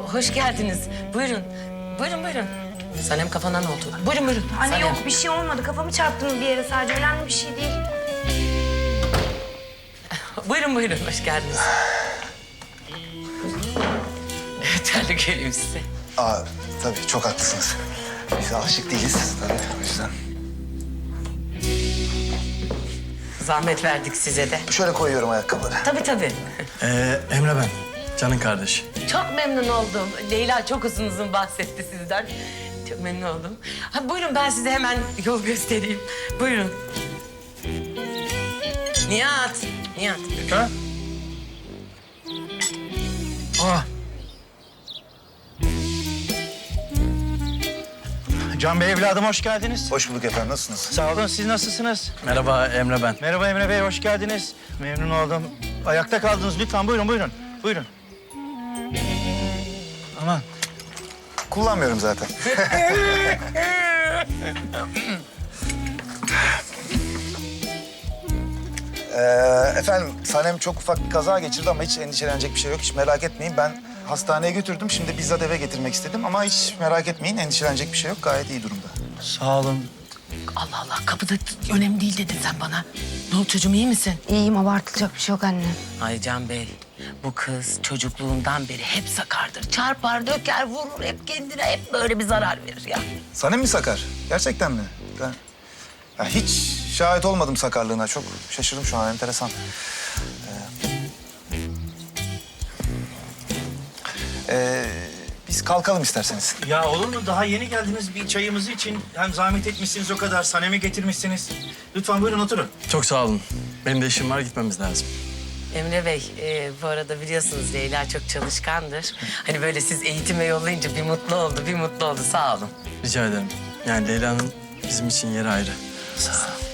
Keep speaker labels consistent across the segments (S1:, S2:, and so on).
S1: hoş geldiniz. Buyurun. Buyurun. Sanem kafana ne oldu? Buyurun.
S2: Anne
S1: Sanem.
S2: yok bir şey olmadı. Kafamı çarptım bir yere sadece. Önemli bir şey değil.
S1: Buyurun. Hoş geldiniz. Terli geleyim size.
S3: Tabii çok haklısınız. Biz alışık değiliz tabii o yüzden.
S1: Zahmet verdik size de.
S3: Şöyle koyuyorum ayakkabıları.
S1: Tabii.
S4: Emre ben. Can'ın kardeşi.
S1: Çok memnun oldum. Leyla çok uzun bahsetti sizden. Çok memnun oldum. Buyurun ben size hemen yol göstereyim. Buyurun. Nihat.
S4: Ha?
S5: Can Bey evladım hoş geldiniz.
S3: Hoş bulduk efendim, nasılsınız?
S5: Sağ olun, siz nasılsınız?
S4: Merhaba Emre ben.
S5: Merhaba Emre Bey, hoş geldiniz. Memnun oldum. Ayakta kaldınız lütfen, buyurun. Aman.
S3: Kullanmıyorum zaten. Efendim, Sanem çok ufak bir kaza geçirdi ama hiç endişelenecek bir şey yok. Hiç merak etmeyin. Ben hastaneye götürdüm. Şimdi bizzat eve getirmek istedim ama hiç merak etmeyin. Endişelenecek bir şey yok. Gayet iyi durumda.
S5: Sağ olun.
S1: Allah kapıda önemli değil dedin sen bana. Ne oldu çocuğum iyi misin?
S2: İyiyim, abartılacak bir şey yok anne.
S1: Ay Can Bey, bu kız çocukluğundan beri hep sakardır. Çarpar, döker, vurur hep kendine. Hep böyle bir zarar verir ya.
S3: Sanem mi sakar? Gerçekten mi? Ben hiç şahit olmadım sakarlığına. Çok şaşırdım şu an. Enteresan. Biz kalkalım isterseniz.
S5: Ya olur mu? Daha yeni geldiniz bir çayımızı için. Hem zahmet etmişsiniz o kadar, Sanem'i getirmişsiniz. Lütfen buyurun oturun.
S4: Çok sağ olun. Benim de işim var, gitmemiz lazım.
S1: Emre Bey, bu arada biliyorsunuz Leyla çok çalışkandır. Hani böyle siz eğitime yollayınca bir mutlu oldu. Sağ olun.
S4: Rica ederim. Yani Leyla'nın bizim için yeri ayrı.
S5: Sağ ol.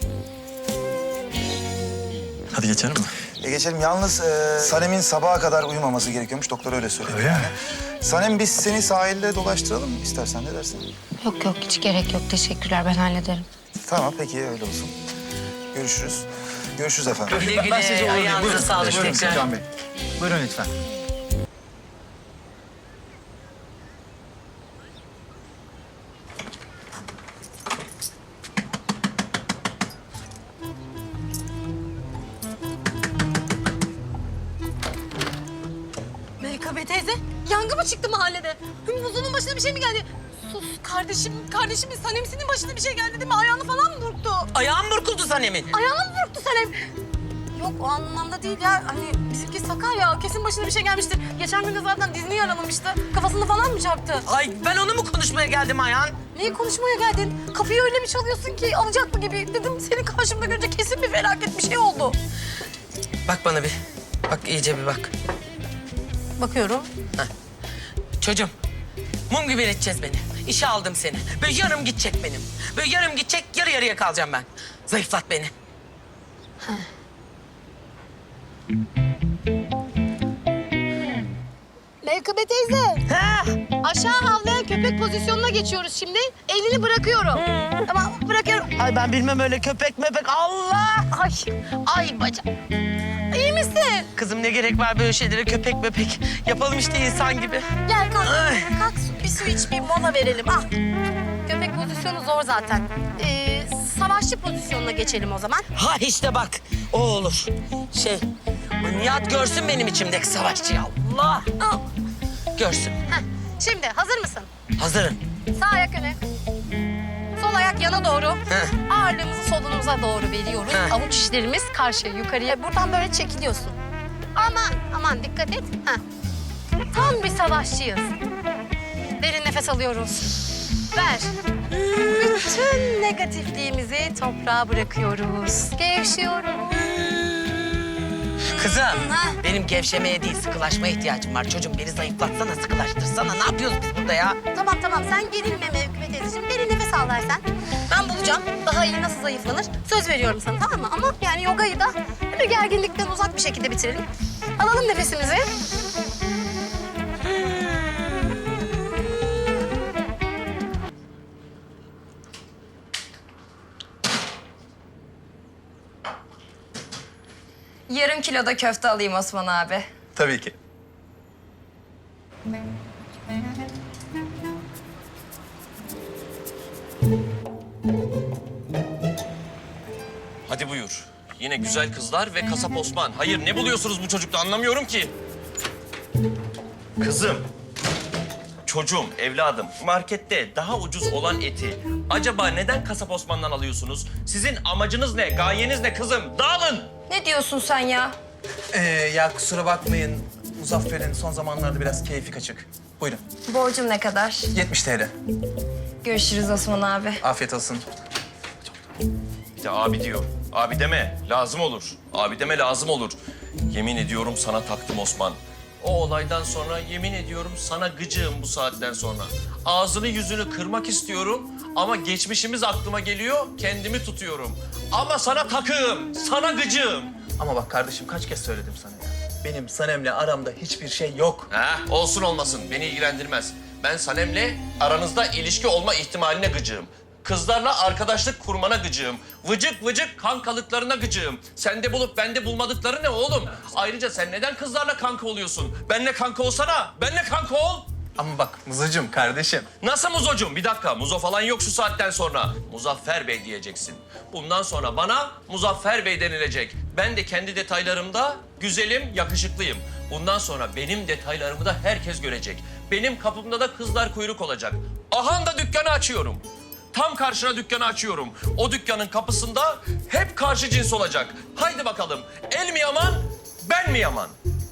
S4: Hadi geçelim mi?
S3: Geçelim. Yalnız Sanem'in sabaha kadar uyumaması gerekiyormuş. Doktor öyle söyledi.
S5: Öyle mi?
S3: Sanem, biz seni sahilde dolaştıralım mı istersen? Ne dersin?
S2: Yok hiç gerek yok. Teşekkürler, ben hallederim.
S3: Tamam, peki öyle olsun. Görüşürüz efendim.
S1: Güle
S5: Ben sizi
S1: güle,
S5: uğurlayayım.
S1: ayağınıza
S5: Buyurun.
S1: sağlık
S5: Buyurun
S1: tekrar.
S5: Can Bey. Buyurun lütfen.
S6: Melika Bey teyze, yangın mı çıktı mahallede? Hümbuzunun başına bir şey mi geldi? Sus, kardeşimin Sanem'sinin başına bir şey geldi değil mi? Ayağını falan mı burktu?
S1: Ayağım burkuldu Sanem'in.
S6: Ayağını mı burktu Sanem? Yok, o anlamda değil ya. Hani bizimki sakar ya, kesin başına bir şey gelmiştir. Geçen gün de zaten dizini yaralamıştı. Kafasını falan mı çarptı?
S1: Ay ben onu mu konuşmaya geldim Ayhan?
S6: Neyi konuşmaya geldin? Kapıyı öyle bir çalıyorsun ki alacaklı gibi. Dedim seni karşımda görünce kesin bir felaket bir şey oldu.
S1: Bak bana bir. Bak iyice bir bak.
S6: Bakıyorum.
S1: Çocuğum, mum gibi eriteceğiz beni. İşe aldım seni. Böyle yarım gidecek benim. Böyle yarım gidecek, yarı yarıya kalacağım ben. Zayıflat beni.
S6: Melika Bey teyze. Aşağı havlayan köpek pozisyonuna geçiyoruz şimdi. Elini bırakıyorum. Tamam, bırakıyorum.
S1: Ay ben bilmem öyle köpek mepek. Allah! Ay bacak.
S6: İyi misin?
S1: Kızım ne gerek var böyle şeylere köpek mepek. Yapalım işte insan gibi.
S6: Gel kalk.
S1: Ay.
S6: Kalk bir su iç, bir mola verelim. Al. Köpek pozisyonu zor zaten. Savaşçı pozisyonuna geçelim o zaman.
S1: Ha işte bak, o olur. O Nihat görsün benim içimdeki savaşçıyı. Allah!
S6: Al.
S1: Görsün.
S6: Heh. Şimdi hazır mısın?
S1: Hazırım.
S6: Sağ ayak öne. Sol ayak yana doğru.
S1: Heh.
S6: Ağırlığımızı solunumuza doğru veriyoruz.
S1: Heh.
S6: Avuç içlerimiz karşıya, yukarıya. Buradan böyle çekiliyorsun. Aman dikkat et. Heh. Tam bir savaşçıyız. Derin nefes alıyoruz. Ver. Bütün negatifliğimizi toprağa bırakıyoruz. Gevşiyoruz.
S1: Kızım,
S6: Ha.
S1: benim gevşemeye değil sıkılaşmaya ihtiyacım var. Çocuğum beni zayıflatsana, sıkılaştırsana. Ne yapıyoruz biz burada ya?
S6: Tamam sen gerilme Mevkübe teyzeciğim. Derin nefes al versen. Ben bulacağım daha iyi nasıl zayıflanır. Söz veriyorum sana, tamam mı? Ama yani yogayı da bir gerginlikten uzak bir şekilde bitirelim. Alalım nefesimizi.
S7: Yarım kilo da köfte alayım Osman abi.
S4: Tabii ki.
S7: yine güzel kızlar ve kasap Osman. Hayır, ne buluyorsunuz bu çocukta anlamıyorum ki. Kızım, çocuğum, evladım, markette daha ucuz olan eti acaba neden kasap Osman'dan alıyorsunuz? Sizin amacınız ne, gayeniz ne kızım? Dağılın!
S2: Ne diyorsun sen ya?
S4: Ya kusura bakmayın. Muzaffer'in son zamanlarda biraz keyfi kaçık. Buyurun.
S2: Borcum ne kadar?
S4: 70 TL.
S2: Görüşürüz Osman abi.
S4: Afiyet olsun.
S7: Bir de abi diyor. Abi deme, lazım olur. Abi deme, lazım olur. Yemin ediyorum sana taktım Osman. O olaydan sonra yemin ediyorum sana gıcığım bu saatten sonra. Ağzını yüzünü kırmak istiyorum ama geçmişimiz aklıma geliyor, kendimi tutuyorum. Ama sana takığım, sana gıcığım.
S4: Ama bak kardeşim kaç kez söyledim sana ya. Benim Sanem'le aramda hiçbir şey yok.
S7: Olsun olmasın, beni ilgilendirmez. Ben Sanem'le aranızda ilişki olma ihtimaline gıcığım. Kızlarla arkadaşlık kurmana gıcığım. Vıcık vıcık kankalıklarına gıcığım. Sende bulup bende bulmadıkları ne oğlum? Ayrıca sen neden kızlarla kanka oluyorsun? Benle kanka olsana, benle kanka ol.
S4: Ama bak Mızıcım kardeşim.
S7: Nasıl Muzocuğum? Bir dakika, Muzo falan yok şu saatten sonra. Muzaffer Bey diyeceksin. Bundan sonra bana Muzaffer Bey denilecek. Ben de kendi detaylarımda güzelim, yakışıklıyım. Bundan sonra benim detaylarımı da herkes görecek. Benim kapımda da kızlar kuyruk olacak. Ahan da dükkanı açıyorum. Tam karşına dükkanı açıyorum. O dükkanın kapısında hep karşı cins olacak. Haydi bakalım, el mi yaman, ben mi yaman?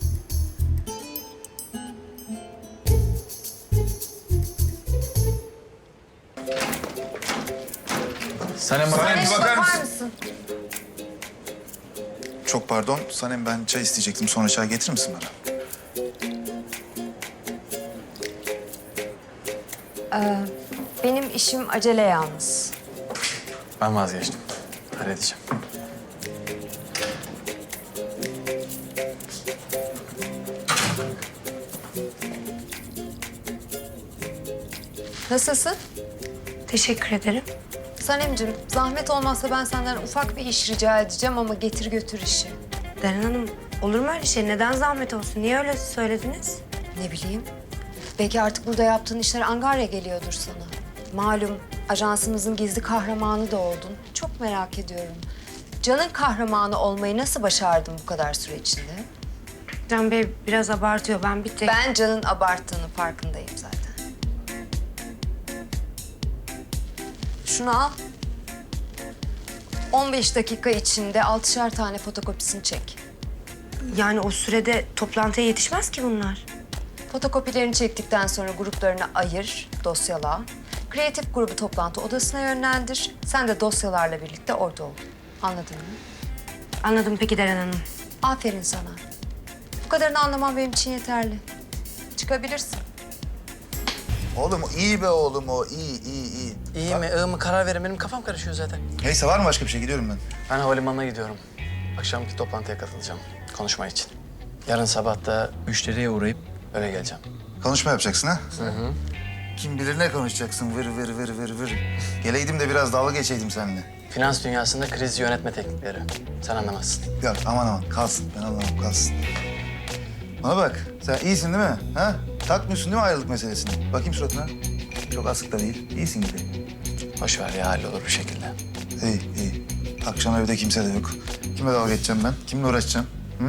S4: Sanem
S3: Sanem bir bakar mısın?
S2: mısın?
S3: Çok pardon. Sanem ben çay isteyecektim. Sonra çay getirir misin bana?
S2: Benim işim acele yalnız.
S4: Ben vazgeçtim. Halledeceğim.
S8: Nasılsın?
S2: Teşekkür ederim.
S8: Sanemciğim, zahmet olmazsa ben senden ufak bir iş rica edeceğim ama getir götür işi.
S2: Deren Hanım, olur mu öyle şey? Neden zahmet olsun? Niye öyle söylediniz?
S8: Ne bileyim. Belki artık burada yaptığın işler angarya geliyordur sana. Malum ajansımızın gizli kahramanı da oldun. Çok merak ediyorum. Can'ın kahramanı olmayı nasıl başardın bu kadar süre içinde?
S2: Can Bey biraz abartıyor. Ben bir tek...
S8: Ben Can'ın abarttığını farkındayım zaten. Şunu al. 15 dakika içinde 6'şer tane fotokopisini çek.
S2: Yani o sürede toplantıya yetişmez ki bunlar.
S8: Fotokopilerini çektikten sonra gruplarına ayır, dosyala. Kreatif grubu toplantı odasına yönlendir. Sen de dosyalarla birlikte orada ol. Anladın mı?
S2: Anladım peki Deren Hanım.
S8: Aferin sana. Bu kadarını anlamam benim için yeterli. Çıkabilirsin.
S3: Oğlum iyi be oğlum o. İyi.
S4: İyi mi, iyi mi karar verin. Benim kafam karışıyor zaten.
S3: Neyse var mı başka bir şey? Gidiyorum ben.
S4: Ben havalimanına gidiyorum. Akşamki toplantıya katılacağım. Konuşma için. Yarın sabah da müşteriye uğrayıp öyle geleceğim.
S3: Konuşma yapacaksın ha? Hı. Kim bilir ne konuşacaksın? Vır. Geleydim de biraz dalga geçeydim seninle.
S4: Finans dünyasında kriz yönetme teknikleri. Sen anlamazsın.
S3: Yok aman kalsın. Ben anlamam kalsın. Bana bak sen iyisin değil mi? Ha? Takmıyorsun değil mi ayrılık meselesini? Bakayım suratına. Çok asık da değil. İyisin gibi.
S4: Boş ver ya, hallolur bir şekilde.
S3: İyi. Akşam evde kimse de yok. Kimle dalga geçeceğim ben? Kimle uğraşacağım? Hı?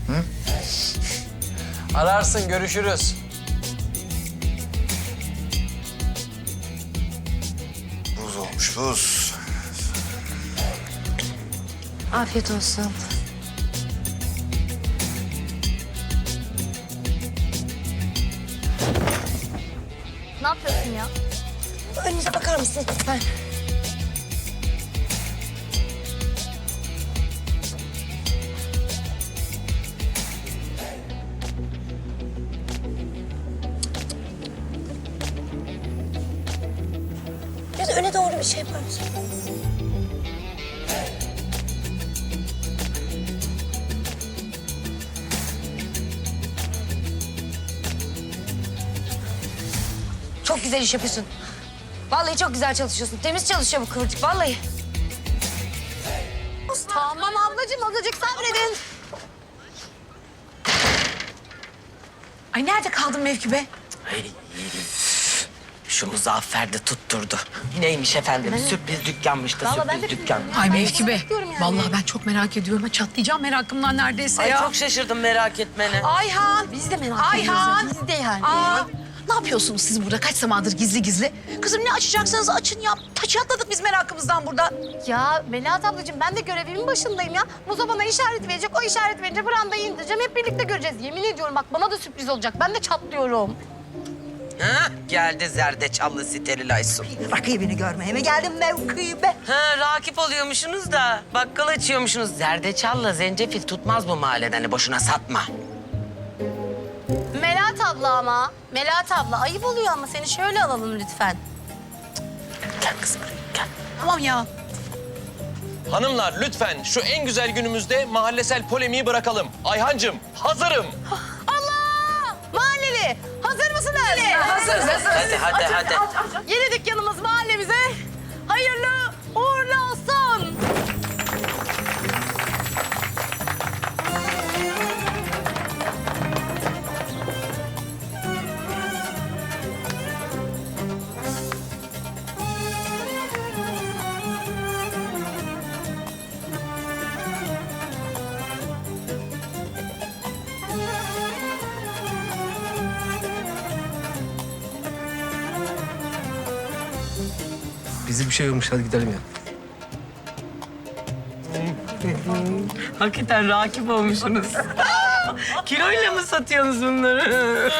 S4: Ararsın, görüşürüz.
S3: Buz olmuş buz.
S2: Afiyet olsun.
S6: Ne yapıyorsun ya?
S2: Önünüze bakar mısın lütfen? Biraz öne doğru bir şey yapar mısın? Çok güzel iş yapıyorsun. Vallahi çok güzel çalışıyorsun. Temiz çalışıyor bu kıvırcık vallahi.
S6: Tamam ablacığım, azıcık sabredin.
S1: Ay nerede kaldın Mevki be? Şu Muzaffer de tutturdu. Neymiş efendim? Sürpriz dükkanmış da
S6: Vallahi ben
S1: sürpriz
S6: de-
S1: dükkan.
S9: Ay Mevkibe,
S6: bekliyorum yani.
S9: vallahi ben çok merak ediyorum. Çatlayacağım merakımdan neredeyse
S1: Ay
S9: ya.
S1: çok şaşırdım merak etmene.
S9: Ayhan!
S6: Biz de merak
S9: Ayhan!
S6: ediyoruz. Biz de yani.
S9: Aa, ne yapıyorsunuz siz burada kaç zamandır gizli gizli? Kızım ne açacaksanız açın ya. Çatladık biz merakımızdan burada.
S6: Ya Melahat ablacığım ben de görevimin başındayım ya. Muzo bana işaret verecek. O işaret verince brandayı indireceğim. Hep birlikte göreceğiz. Yemin ediyorum bak bana da sürpriz olacak. Ben de çatlıyorum.
S1: Ha, geldi zerdeçallı steril Aysun.
S10: Rakibini görmeye mi geldin mevkibe?
S1: Ha, rakip oluyormuşsunuz da bakkal açıyormuşsunuz. Zerdeçalla zencefil tutmaz bu mahallede. Hani boşuna satma.
S6: Melahat abla ama. Melahat abla ayıp oluyor ama seni şöyle alalım lütfen.
S1: Gel kızım buraya gel.
S9: Tamam ya.
S7: Hanımlar lütfen şu en güzel günümüzde mahallesel polemiği bırakalım. Ayhancığım hazırım.
S6: Allah! Mahalleli hazır mısınız?
S9: Hazırız.
S1: Hadi.
S6: Yeni dükkanımız mahallemize hayırlı uğurlu olsun.
S11: Bizi bir şey olmuş hadi gidelim ya.
S1: Hakikaten rakip olmuşsunuz. Kiloyla mı satıyorsunuz bunları?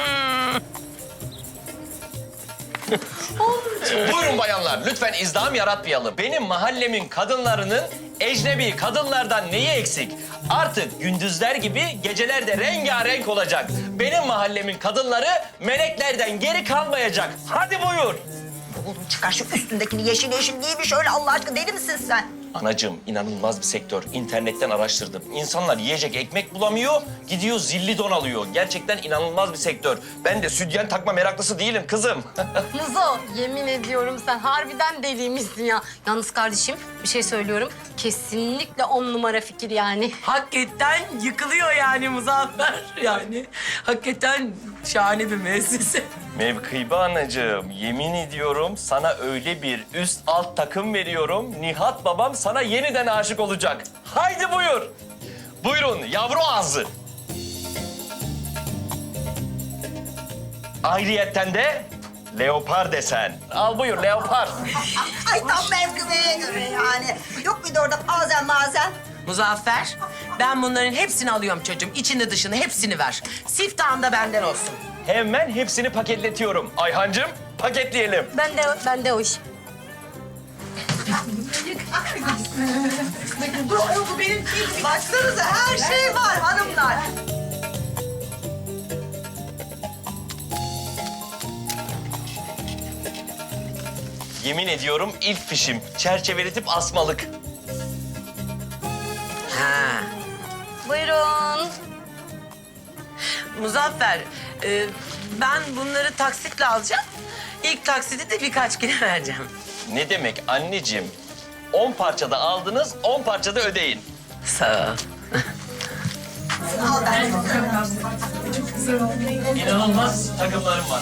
S7: Buyurun bayanlar lütfen izdiham yaratmayalım. Benim mahallemin kadınlarının ecnebi kadınlardan neyi eksik? Artık gündüzler gibi geceler de rengarenk olacak. Benim mahallemin kadınları meleklerden geri kalmayacak. Hadi buyur.
S10: Oğlum çıkar şu üstündekini yeşil yeşil giymiş öyle Allah aşkına deli misin sen?
S7: Anacığım inanılmaz bir sektör. İnternetten araştırdım. İnsanlar yiyecek ekmek bulamıyor, gidiyor zilli don alıyor. Gerçekten inanılmaz bir sektör. Ben de sütyen takma meraklısı değilim kızım.
S6: Muzo yemin ediyorum sen harbiden deliymişsin ya. Yalnız kardeşim bir şey söylüyorum. Kesinlikle 10 numara fikir yani.
S1: Hakikaten yıkılıyor yani Muzaffer. Yani hakikaten şahane bir müessese.
S7: Mevkibe anacığım, yemin ediyorum sana öyle bir üst alt takım veriyorum. Nihat babam sana yeniden aşık olacak. Haydi buyur. Buyurun yavru ağzı. Ayrıyetten de leopar desen. Al buyur leopar.
S10: Ay tam mevkibeye göre yani. Yok bir de orada bazen bazen.
S1: Muzaffer, ben bunların hepsini alıyorum çocuğum. İçini dışını hepsini ver. Siftahın da benden olsun.
S7: Hemen hepsini paketletiyorum. Ayhancığım paketleyelim.
S6: Ben de o iş.
S10: Bu benim gibi. Baksanıza her şey var hanımlar.
S7: Yemin ediyorum ilk fişim. Çerçeveletip asmalık.
S1: Ha.
S6: Buyurun.
S1: Muzaffer, ben bunları taksitle alacağım. İlk taksidi de birkaç güne vereceğim.
S7: Ne demek anneciğim? 10 parçada aldınız, 10 parçada ödeyin.
S1: Sağ ol.
S7: İnanılmaz takımlarım var.